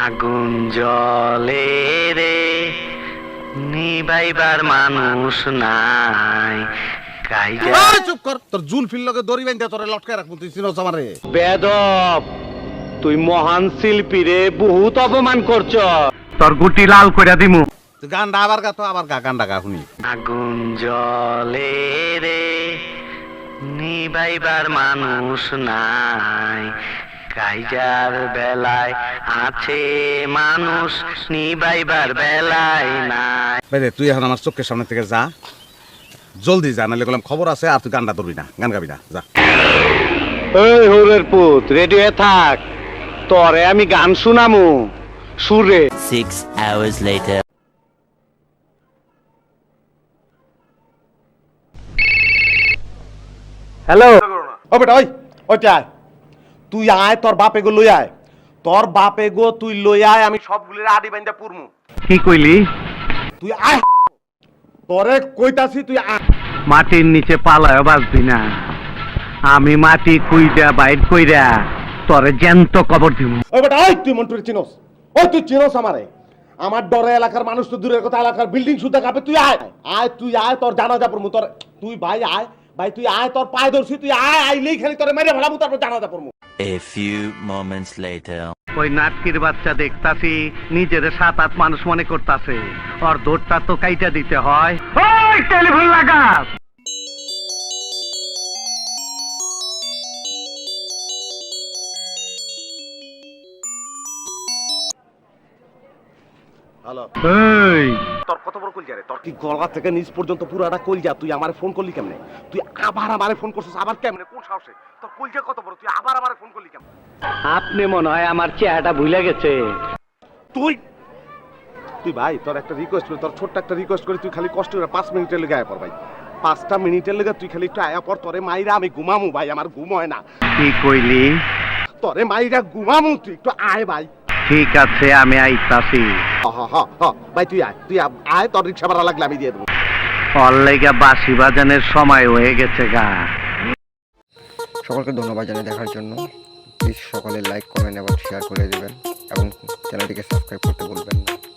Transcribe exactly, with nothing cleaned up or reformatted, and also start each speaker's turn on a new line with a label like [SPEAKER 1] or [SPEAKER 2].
[SPEAKER 1] আগুন জ্বলে রে নিবাইবার মানুষ নাই কাইজা।
[SPEAKER 2] এই চুপ কর, তোর জুলফির লগে দড়ি বাইন্ধা তোরে লটকায় রাখবো, তুই চিনোস আমারে?
[SPEAKER 1] বেদব, তুই মহান শিল্পী রে, বহুত অপমান করছ। তোর গুটি লাল কইরা দিমু।
[SPEAKER 2] তুই গানটা আবার গা, তো আবার গা, গানটা গা শুনি।
[SPEAKER 1] আগুন জ্বলে রে নিবাইবার মানুষ নাই কাইজার বেলায় আছে মানুষ নিবাইবার বেলায় নাই।
[SPEAKER 2] বাইরে তুই এখন আমার চোখের সামনে থেকে যা, জলদি যা, নাহলে বললাম খবর আছে আর তুই গানটা ধরবি না, গান গাবি না, যা।
[SPEAKER 1] এই হরের পুত, রেডি হয়ে থাক, তোরে আমি গান শুনামু সুরে।
[SPEAKER 3] Six hours later.
[SPEAKER 1] হ্যালো।
[SPEAKER 2] ও বেটা, ওই ওইটা আয়, তুই আয়, তোর বাপে গো লই আয়, তোর বাপে গো তুই লই আয়, আমি সবগুলির আডি বাইন্দা পুরমু।
[SPEAKER 1] কি কইলি?
[SPEAKER 2] তুই আয়, তোরে কইতাছি তুই আয়।
[SPEAKER 1] মাটির নিচে পালায় বাঁচবি না, আমি মাটি কুইরা বাইর কইরা তোরে জ্যান্ত কবর দিব।
[SPEAKER 2] ওই বেটা, ওই তুই মন্টুরে চিনোস? ওই তুই চিনোস আমারে? আমার ডরে এলাকার মানুষ তো দূরের কথা, এলাকার বিল্ডিং সুদ্ধা কাঁপে। তুই আয়, আয় তুই আয়, তোর জানাজা পড়মু। তোর তুই ভাই আয়, ভাই তুই আয়, তোর পায়ে ধরছি, তুই আয়, আইলেই খালি তোরে মেরে ফেলামু, তারপর জানাজা পড়মু।
[SPEAKER 3] A few moments later.
[SPEAKER 1] ওই নাটকির বাচ্চা দেখতাছি নিজের সাত আট মানুষ মনে করতাছে, ওর দৌড়টা তো কাইটা দিতে হয়। ওই টেলিফোন লাগা।
[SPEAKER 2] হ্যালো,
[SPEAKER 1] এই
[SPEAKER 2] তোর কত বড় কলজা রে? তোর কি গলা থেকে নিচ পর্যন্ত পুরাটা কলজা? তুই আমারে ফোন করলি কেমনে? তুই আবার আমারে ফোন করছিস, আবার কেমনে, কোন সাহসে? তোর কলজা কত বড়, তুই আবার আমারে ফোন করলি কেমনে?
[SPEAKER 1] আপনি মনে হয় আমার চেহারাটা ভুলে গেছে।
[SPEAKER 2] তুই তুই ভাই, তোর একটা রিকোয়েস্ট করি, তোর ছোট্ট একটা রিকোয়েস্ট করি, তুই খালি কষ্ট করে পাঁচ মিনিটের লেগে আয়া পর ভাই, পাঁচটা মিনিটের লেগে তুই খালি একটু আয়া পর। তোরে মাইরা আমি ঘুমামু ভাই, আমার ঘুম হয় না।
[SPEAKER 1] কি কইলি?
[SPEAKER 2] তোরে মাইরা ঘুমামু, তুই একটু আয় ভাই।
[SPEAKER 1] ঠিক আছে, আমি আইতাছি।
[SPEAKER 2] হ হ হ হ ভাই, তুই আয়, তুই আয়, তোর রিক্সা ভাড়া লাগলে আমি দিয়ে দেবো।
[SPEAKER 1] ওর লেগা বাঁশি বাজানের সময় হয়ে গেছে গা।
[SPEAKER 4] সকলকে ধন্যবাদ জানিয়ে দেখার জন্য। প্লিজ সকলে লাইক কমেন্ট এবং শেয়ার করে দেবেন এবং চ্যানেলটিকে সাবস্ক্রাইব করতে ভুলবেন না।